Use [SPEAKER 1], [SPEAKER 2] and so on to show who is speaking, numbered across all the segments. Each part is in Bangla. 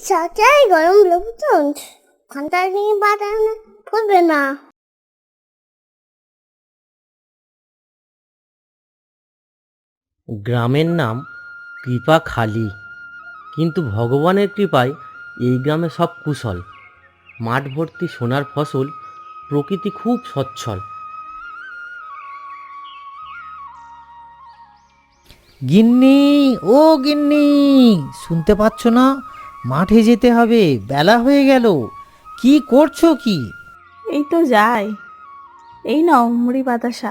[SPEAKER 1] চাচাই গরম লোকজন ঘন্টা নিয়ে বাদানো পড়বে না।
[SPEAKER 2] গ্রামের নাম কৃপাখালী, কিন্তু ভগবানের কৃপায় এই গ্রামে সব কুশল। মাঠ ভর্তি সোনার ফসল, প্রকৃতি খুব সচ্ছল।
[SPEAKER 3] গিন্নি, ও গিন্নি, শুনতে পাচ্ছ না? মাঠে যেতে হবে, বেলা হয়ে গেল। কি করছো কি?
[SPEAKER 4] এই তো যাই। এই নাও মুড়ি বাতাসা।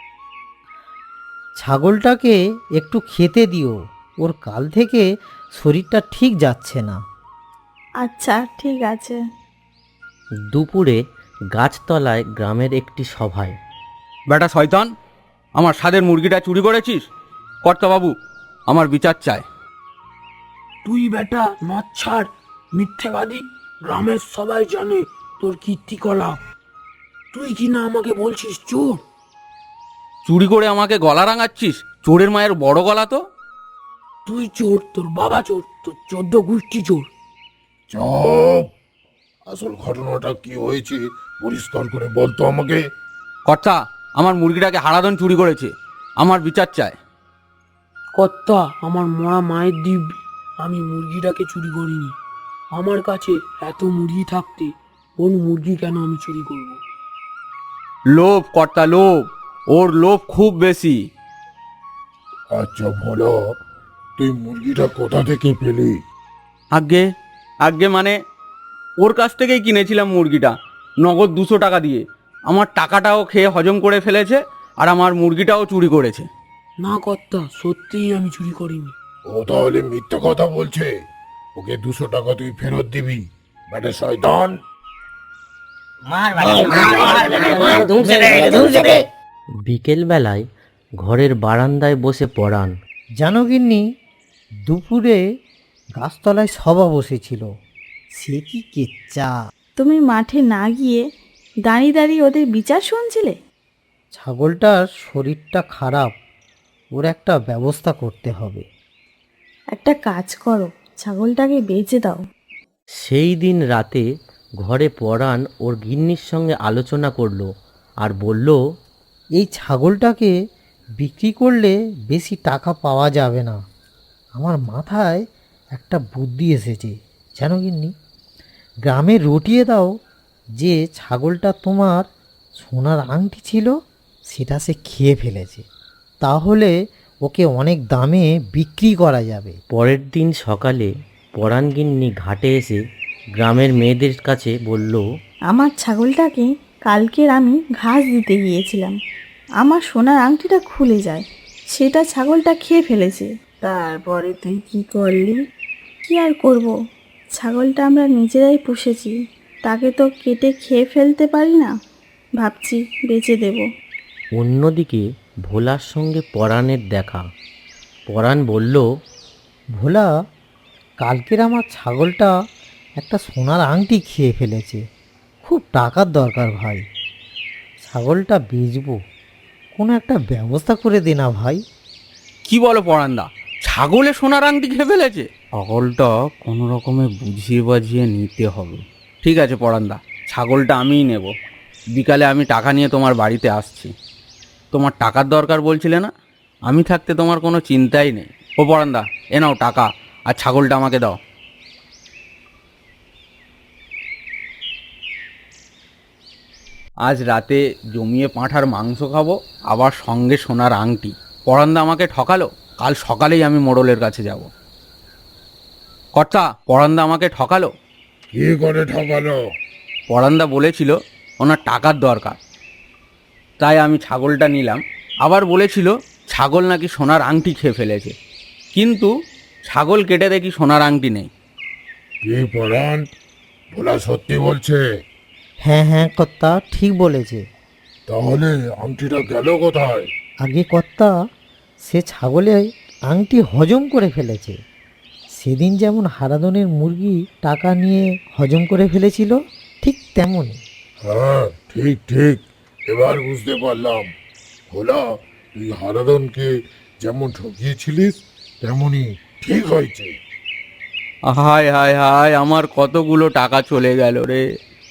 [SPEAKER 3] ছাগলটাকে একটু খেতে দিও, ওর কাল থেকে শরীরটা ঠিক যাচ্ছে না।
[SPEAKER 4] আচ্ছা ঠিক আছে।
[SPEAKER 2] দুপুরে গাছতলায় গ্রামের একটি সভায়।
[SPEAKER 5] বেটা শয়তান, আমার স্বাদের মুরগিটা চুরি করেছিস? কর্তাবাবু, আমার বিচার চায়।
[SPEAKER 6] তুই বেটা মদ ছাড়, মিথ্যেবাদী। গ্রামের সবাই জানে তোর কীর্তিকলাপ। তুই কি না আমাকে বলছিস চোর?
[SPEAKER 5] চুরি করে আমাকে গলা রাঙাচ্ছিস? চোরের মায়ের বড় গলা তো।
[SPEAKER 6] তুই চোর, তোর বাবা চোর, তোর 14 গোষ্ঠী চোর।
[SPEAKER 7] চুপ! আসল ঘটনাটা কি হয়েছে পরিষ্কার করে বলতো আমাকে।
[SPEAKER 5] কর্তা, আমার মুরগিটাকে হারাধন চুরি করেছে, আমার বিচার চায়।
[SPEAKER 6] কর্তা, আমার মরা মায়ের দিব্যি, আমি মুরগিটাকে চুরি করিনি। আমার কাছে এত মুরগি থাকতে কোন মুরগি কেন আমি চুরি করব?
[SPEAKER 5] লোভ কর্তা, লোভ। ওর লোভ খুব বেশি।
[SPEAKER 7] আচ্ছা বলো, তুই মুরগিটা কোথা থেকে পেলি?
[SPEAKER 5] আগে আগে মানে ওর কাছ থেকেই কিনেছিলাম মুরগিটা, নগদ 200 টাকা দিয়ে। আমার টাকাটাও খেয়ে হজম করে ফেলেছে, আর আমার মুরগিটাও চুরি করেছে।
[SPEAKER 6] না কর্তা, সত্যিই আমি চুরি করিনি।
[SPEAKER 7] ও তাহলে মিথ্যা কথা বলছে। ওকে 200 টাকা তুই ফেরত দিবি, বেটা শয়তান।
[SPEAKER 2] বিকেলবেলায় ঘরের বারান্দায় বসে পড়ান।
[SPEAKER 3] জানো গিন্নি, দুপুরে গাছতলায় সভা বসেছিল। সে কি কেচ্চা!
[SPEAKER 4] তুমি মাঠে না গিয়ে দাঁড়িয়ে দাঁড়িয়ে ওদের বিচার শুনছিলে?
[SPEAKER 3] ছাগলটার শরীরটা খারাপ, ওর একটা ব্যবস্থা করতে হবে।
[SPEAKER 4] একটা কাজ করো, ছাগলটাকে বেচে দাও।
[SPEAKER 2] সেই দিন রাতে ঘরে পরাণ ওর গিন্নির সঙ্গে আলোচনা করলো আর বলল,
[SPEAKER 3] এই ছাগলটাকে বিক্রি করলে বেশি টাকা পাওয়া যাবে না। আমার মাথায় একটা বুদ্ধি এসেছে জানো গিন্নি, গ্রামে রটিয়ে দাও যে ছাগলটা তোমার সোনার আংটি ছিল সেটা সে খেয়ে ফেলেছে, তাহলে ওকে অনেক দামে বিক্রি করা যাবে।
[SPEAKER 2] পরের দিন সকালে পরাণ গিন্নি ঘাটে এসে গ্রামের মেয়েদের কাছে বলল,
[SPEAKER 4] আমার ছাগলটাকে কালকের আমি ঘাস দিতে গিয়েছিলাম, আমার সোনার আংটিটা খুলে যায়, সেটা ছাগলটা খেয়ে ফেলেছে। তারপরে তুই কি করলি? কি আর করব, ছাগলটা আমরা নিজেরাই পুষেছি, তাকে তো কেটে খেয়ে ফেলতে পারি না, ভাবছি বেচে দেব।
[SPEAKER 2] অন্যদিকে ভোলার সঙ্গে পরাণের দেখা। পরাণ বলল,
[SPEAKER 3] ভোলা, কালকের আমার ছাগলটা একটা সোনার আংটি খেয়ে ফেলেছে, খুব টাকার দরকার ভাই, ছাগলটা বেচবো, কোনো একটা ব্যবস্থা করে দে না ভাই।
[SPEAKER 5] কি বলো পরান্দা, ছাগলে সোনার আংটি খেয়ে ফেলেছে? ছাগলটা কোনো রকমে বুঝিয়ে বাজিয়ে নিতে হবে। ঠিক আছে পরান্দা, ছাগলটা আমিই নেব। বিকালে আমি টাকা নিয়ে তোমার বাড়িতে আসছি। তোমার টাকার দরকার বলছিলে না? আমি থাকতে তোমার কোনো চিন্তাই নেই। ও পরান্দা, এ নাও টাকা, আর ছাগলটা আমাকে দাও। আজ রাতে জমিয়ে পাঁঠার মাংস খাবো, আবার সঙ্গে সোনার আংটি। পরান্দা আমাকে ঠকালো, কাল সকালেই আমি মোড়লের কাছে যাব। কর্তা, পরান্দা আমাকে ঠকালো।
[SPEAKER 7] কি করে ঠকালো?
[SPEAKER 5] পরান্দা বলেছিল ওনার টাকার দরকার, তাই আমি ছাগলটা নিলাম। আবার বলেছিল ছাগল নাকি সোনার আংটি খেয়ে ফেলেছে, কিন্তু ছাগল কেটে দেখি সোনার আংটি নেই।
[SPEAKER 7] কি পরাণ, ভোলা সত্যি বলছে?
[SPEAKER 3] হ্যাঁ হ্যাঁ কর্তা, ঠিক বলেছে।
[SPEAKER 7] তাহলে আংটিটা গেল কোথায়?
[SPEAKER 3] আগে কর্তা, সে ছাগলে আংটি হজম করে ফেলেছে, সেদিন যেমন হারাধনের মুরগি টাকা নিয়ে হজম করে ফেলেছিল, ঠিক তেমনই।
[SPEAKER 7] হ্যাঁ ঠিক ঠিক, এবার বুঝতে পারলাম। ভোলা, তুই হারাধনকে যেমন ঠকিয়েছিলিস তেমনই ঠিক হয়েছে।
[SPEAKER 5] হায় হায় হায়, আমার কতগুলো টাকা চলে গেল রে।